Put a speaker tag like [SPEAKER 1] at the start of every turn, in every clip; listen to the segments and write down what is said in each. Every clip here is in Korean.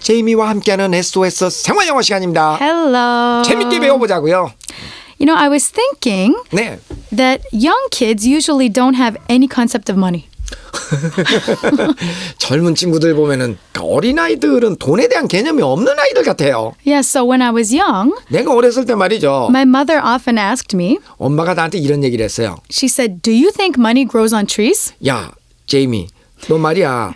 [SPEAKER 1] 제이미와 함께하는 SOS 생활영어 시간입니다.
[SPEAKER 2] Hello.
[SPEAKER 1] 재밌게 배워보자고요.
[SPEAKER 2] You know, I was thinking
[SPEAKER 1] 네.
[SPEAKER 2] that young kids usually don't have any concept of money.
[SPEAKER 1] 젊은 친구들 보면은 어린아이들은 돈에 대한 개념이 없는 아이들 같아요.
[SPEAKER 2] Yeah, so when I was young,
[SPEAKER 1] 내가 어렸을 때 말이죠.
[SPEAKER 2] my mother often asked me,
[SPEAKER 1] 엄마가 나한테 이런 얘기를 했어요.
[SPEAKER 2] she said, "Do you think money grows on trees?"
[SPEAKER 1] 야, 제이미, 너 말이야.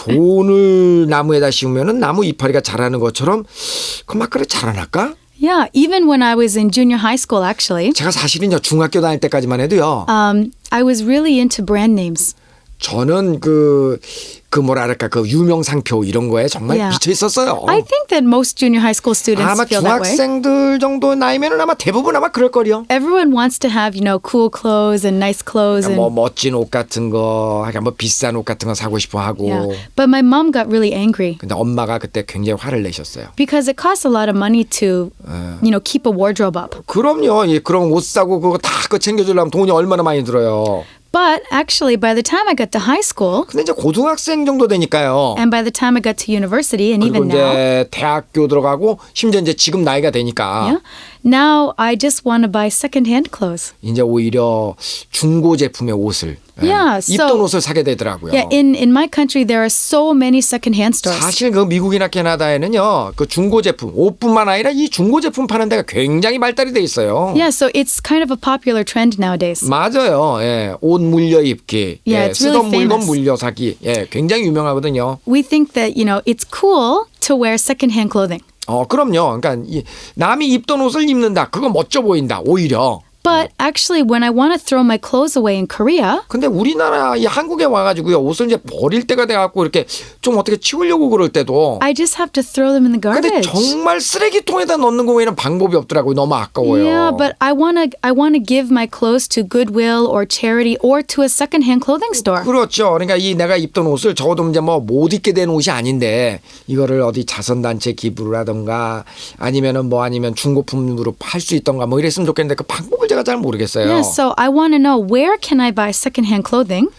[SPEAKER 1] 돈을 나무에다 심으면은 나무 이파리가 자라는 것처럼 그막 그래 자라날까?
[SPEAKER 2] Yeah, even when I was in junior high school, actually,
[SPEAKER 1] 제가 사실은요 중학교 다닐 때까지만 해도요.
[SPEAKER 2] I was really into brand names.
[SPEAKER 1] 저는 그 뭐랄까 그 유명 상표 이런 거에 정말
[SPEAKER 2] Yeah.
[SPEAKER 1] 미쳐 있었어요.
[SPEAKER 2] I think that most junior high school students
[SPEAKER 1] 아마
[SPEAKER 2] feel that way.
[SPEAKER 1] 중학생들 정도 나이면은 아마 대부분 아마 그럴 거요.
[SPEAKER 2] Everyone wants to have, cool clothes and nice clothes. And,
[SPEAKER 1] 뭐 멋진 옷 같은 거, 그러니까 뭐 비싼 옷 같은 거 사고 싶어 하고.
[SPEAKER 2] yeah. But my mom got really angry
[SPEAKER 1] 근데 엄마가 그때 굉장히 화를 내셨어요.
[SPEAKER 2] because it costs a lot of money to, keep a wardrobe up.
[SPEAKER 1] 그럼요. 예, 그런 옷 사고 그거 다 그 챙겨주려면 돈이 얼마나 많이 들어요.
[SPEAKER 2] But actually, by the time I got to high school,
[SPEAKER 1] 근데 이제 고등학생 정도 되니까요.
[SPEAKER 2] and by the time I got to university, and
[SPEAKER 1] 그리고
[SPEAKER 2] even now,
[SPEAKER 1] 이제 대학교 들어가고 심지어 이제 지금 나이가 되니까
[SPEAKER 2] yeah, now I just want to buy secondhand clothes.
[SPEAKER 1] 이제 오히려 중고 제품의 옷을
[SPEAKER 2] Yeah,
[SPEAKER 1] 입던
[SPEAKER 2] so-
[SPEAKER 1] 옷을 사게 되더라고요.
[SPEAKER 2] Yeah, in my country, there are so many secondhand stores.
[SPEAKER 1] 사실 그 미국이나 캐나다에는요, 그 중고 제품 옷뿐만 아니라 이 중고 제품 파는 데가 굉장히 발달이 돼 있어요.
[SPEAKER 2] Yeah, so it's kind of a popular trend nowadays.
[SPEAKER 1] 맞아요. 예, 옷 물려 입기,
[SPEAKER 2] Yeah,
[SPEAKER 1] 예,
[SPEAKER 2] it's really
[SPEAKER 1] 쓰던 물건
[SPEAKER 2] famous.
[SPEAKER 1] 물려 사기, 예, 굉장히 유명하거든요.
[SPEAKER 2] We think that, it's cool to wear secondhand clothing.
[SPEAKER 1] 그럼요. 그러니까 남이 입던 옷을 입는다, 그거 멋져 보인다, 오히려.
[SPEAKER 2] But actually, when I want to throw my clothes away in Korea,
[SPEAKER 1] 근데 우리나라 이 한국에 와가지고요, 옷을 이제 버릴 때가 돼갖고 이렇게 좀 어떻게 치우려고 그럴 때도.
[SPEAKER 2] I just have to throw them in the
[SPEAKER 1] 근데
[SPEAKER 2] garbage.
[SPEAKER 1] 정말 쓰레기통에다 넣는 거 외에는 방법이 없더라고요. 너무 아까워요.
[SPEAKER 2] Yeah, but I wanna give my clothes to Goodwill or charity or to a secondhand clothing store.
[SPEAKER 1] 그렇죠. 그러니까 이 내가 입던 옷을 적어도 이제 뭐 못 입게 된 옷이 아닌데 이거를 어디 자선단체 기부를 하던가 아니면은 아니면 중고품으로 팔 수 있던가 뭐 이랬으면 좋겠는데 그 방법을 제가 잘 모르겠어요.
[SPEAKER 2] Yeah, so I want to know where can I buy secondhand clothing?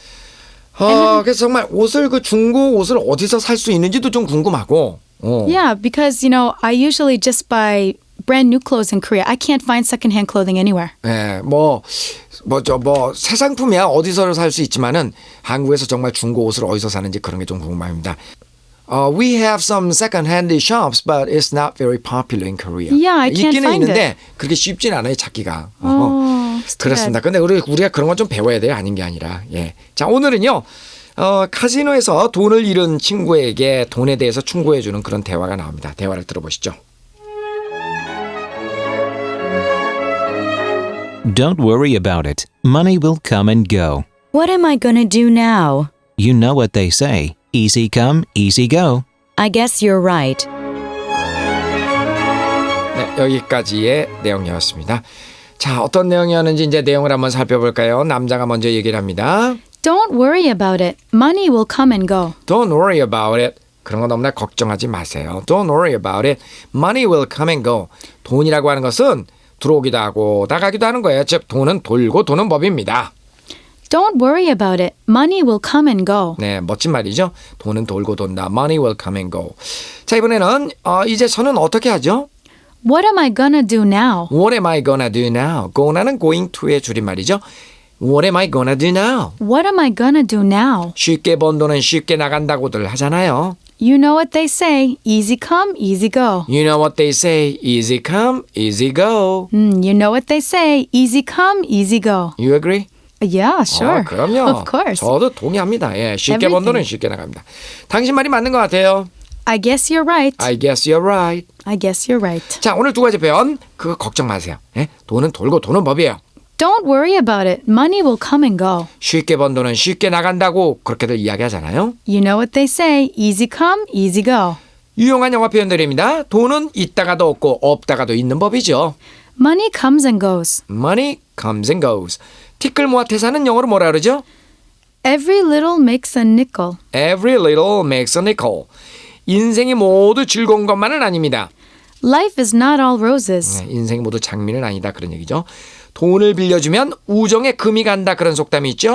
[SPEAKER 1] 그래서 정말 옷을 그 중고 옷을 어디서 살 수 있는지도 좀 궁금하고.
[SPEAKER 2] Yeah, because I usually just buy brand new clothes in Korea. I can't find secondhand clothing anywhere.
[SPEAKER 1] 예, 새 상품이야 어디서 살 수 있지만은 한국에서 정말 중고 옷을 어디서 사는지 그런 게 좀 궁금합니다. We have some second-hand shops, but it's not very popular in Korea.
[SPEAKER 2] Yeah, I can't
[SPEAKER 1] 있기는
[SPEAKER 2] find
[SPEAKER 1] 있는데
[SPEAKER 2] it.
[SPEAKER 1] 그렇게 쉽진 않아요, 찾기가.
[SPEAKER 2] it's too
[SPEAKER 1] 그렇습니다. 근데 우리가 그런 건 좀 배워야 돼요, 아닌 게 아니라. 예. 자, 오늘은요. 카지노에서 돈을 잃은 친구에게 돈에 대해서 충고해 주는 그런 대화가 나옵니다. 대화를 들어보시죠.
[SPEAKER 3] Don't worry about it. Money will come and go.
[SPEAKER 4] What am I gonna do now?
[SPEAKER 3] You know what they say. Easy come, easy go.
[SPEAKER 4] I guess you're right.
[SPEAKER 1] 네, 여기까지의 내용이었습니다. 자, 어떤 내용이었는지 이제 내용을 한번 살펴볼까요? 남자가 먼저 얘기를 합니다.
[SPEAKER 2] Don't worry about it. Money will come and go.
[SPEAKER 1] Don't worry about it. 그런 거 너무나 걱정하지 마세요. Don't worry about it. Money will come and go. 돈이라고 하는 것은 들어오기도 하고 나가기도 하는 거예요. 즉 돈은 돌고 도는 법입니다.
[SPEAKER 2] Don't worry about it. Money will come and go.
[SPEAKER 1] 네, 멋진 말이죠. 돈은 돌고 돈다. Money will come and go. 자, 이번에는 이제 저는 어떻게 하죠?
[SPEAKER 2] What am I gonna do now?
[SPEAKER 1] What am I gonna do now? gona는 going to의 줄임말이죠. What am I gonna do now?
[SPEAKER 2] What am I gonna do now?
[SPEAKER 1] 쉽게 번 돈은 쉽게 나간다고들 하잖아요.
[SPEAKER 2] You know what they say. Easy come, easy go.
[SPEAKER 1] You know what they say. Easy come, easy go.
[SPEAKER 2] You know what they say. Easy come, easy go.
[SPEAKER 1] You agree?
[SPEAKER 2] Yeah, sure.
[SPEAKER 1] 그럼요.
[SPEAKER 2] Of course.
[SPEAKER 1] 저도 동의합니다. 예, 쉽게 번 돈은 쉽게 나갑니다. 당신 말이 맞는 것 같아요.
[SPEAKER 2] I guess you're right.
[SPEAKER 1] I guess you're right.
[SPEAKER 2] I guess you're right.
[SPEAKER 1] 자, 오늘 두 가지 표현 그거 걱정 마세요. 예? 돈은 돌고 도는 법이에요.
[SPEAKER 2] Don't worry about it. Money will come and go.
[SPEAKER 1] 쉽게 번 돈은 쉽게 나간다고 그렇게들 이야기하잖아요.
[SPEAKER 2] You know what they say. Easy come, easy go.
[SPEAKER 1] 유용한 영어 표현들입니다. 돈은 있다가도 없고 없다가도 있는 법이죠.
[SPEAKER 2] Money comes and goes.
[SPEAKER 1] Money comes and goes. 티끌 모아 태사는 영어로 뭐라 그러죠?
[SPEAKER 2] Every little makes a nickel.
[SPEAKER 1] Every little makes a nickel. 인생이 모두 즐거운 것만은 아닙니다.
[SPEAKER 2] Life is not all roses.
[SPEAKER 1] 인생이 모두 장미는 아니다 그런 얘기죠. 돈을 빌려주면 우정에 금이 간다 그런 속담이 있죠.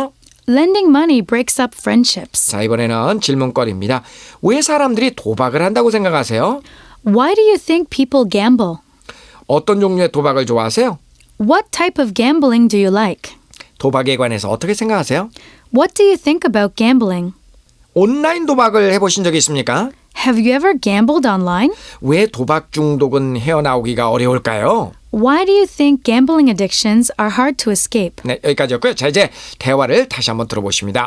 [SPEAKER 2] Lending money breaks up friendships.
[SPEAKER 1] 자, 이번에는 질문거리입니다. 왜 사람들이 도박을 한다고 생각하세요?
[SPEAKER 2] Why do you think people gamble?
[SPEAKER 1] 어떤 종류의 도박을 좋아하세요?
[SPEAKER 2] What type of gambling do you like?
[SPEAKER 1] 도박에 관해서 어떻게 생각하세요?
[SPEAKER 2] What do you think about gambling?
[SPEAKER 1] 온라인 도박을 해보신 적이 있습니까?
[SPEAKER 2] Have you ever gambled online?
[SPEAKER 1] 왜 도박 중독은 헤어나오기가 어려울까요?
[SPEAKER 2] Why do you think gambling addictions are hard to escape?
[SPEAKER 1] 네, 여기까지였고요. 자, 이제 대화를 다시 한번 들어보십니다.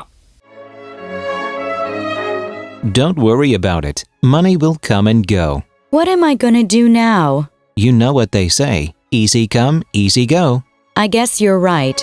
[SPEAKER 3] Don't worry about it. Money will come and go.
[SPEAKER 4] What am I gonna do now?
[SPEAKER 3] You know what they say. Easy come, easy go.
[SPEAKER 4] I guess you're right.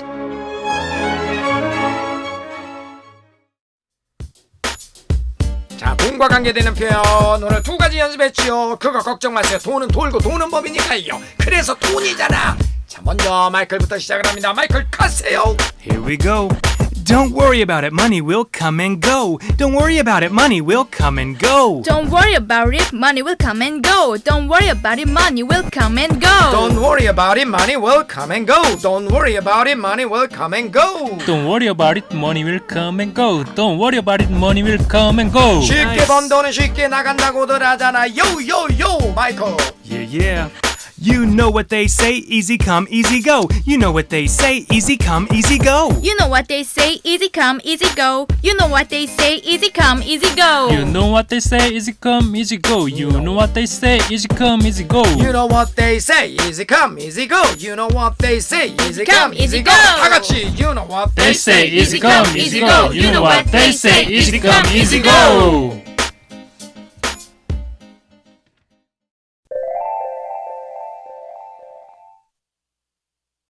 [SPEAKER 1] 자, 돈과 관계되는 표현 오늘 두 가지 연습했지요. 그거 걱정 마세요. 돈은 돌고 도는 법이니까요. 그래서 돈이잖아. 자, 먼저 마이클부터 시작을 합니다. 마이클 가세요.
[SPEAKER 5] Here we go. Don't worry about it, money will come and go. Don't worry about it, money will come and go.
[SPEAKER 6] Don't worry about it, money will come and go. Don't worry about it, money will come and go.
[SPEAKER 1] Don't worry about it, money will come and go. Don't worry about it, money will come and go.
[SPEAKER 7] Don't worry about it, money will come and go. Don't worry about it, money will come and go.
[SPEAKER 1] 쉽게 번 돈은 쉽게 나간다고들 하잖아. 요요요 마이클.
[SPEAKER 5] Yeah. You know what they say, easy come, easy go. You know what they say, easy come, easy go.
[SPEAKER 6] You know what they say, easy come, easy go. You know what they say, easy come, easy go.
[SPEAKER 7] You know what they say, easy come, easy go. You know what they say, easy come, easy go.
[SPEAKER 1] You know what they say, easy come, easy go. You know what they say, easy come, easy go.
[SPEAKER 6] go.
[SPEAKER 1] 다 같이 You know what they
[SPEAKER 7] They say, easy come, easy go. You know what they say, easy come, easy go.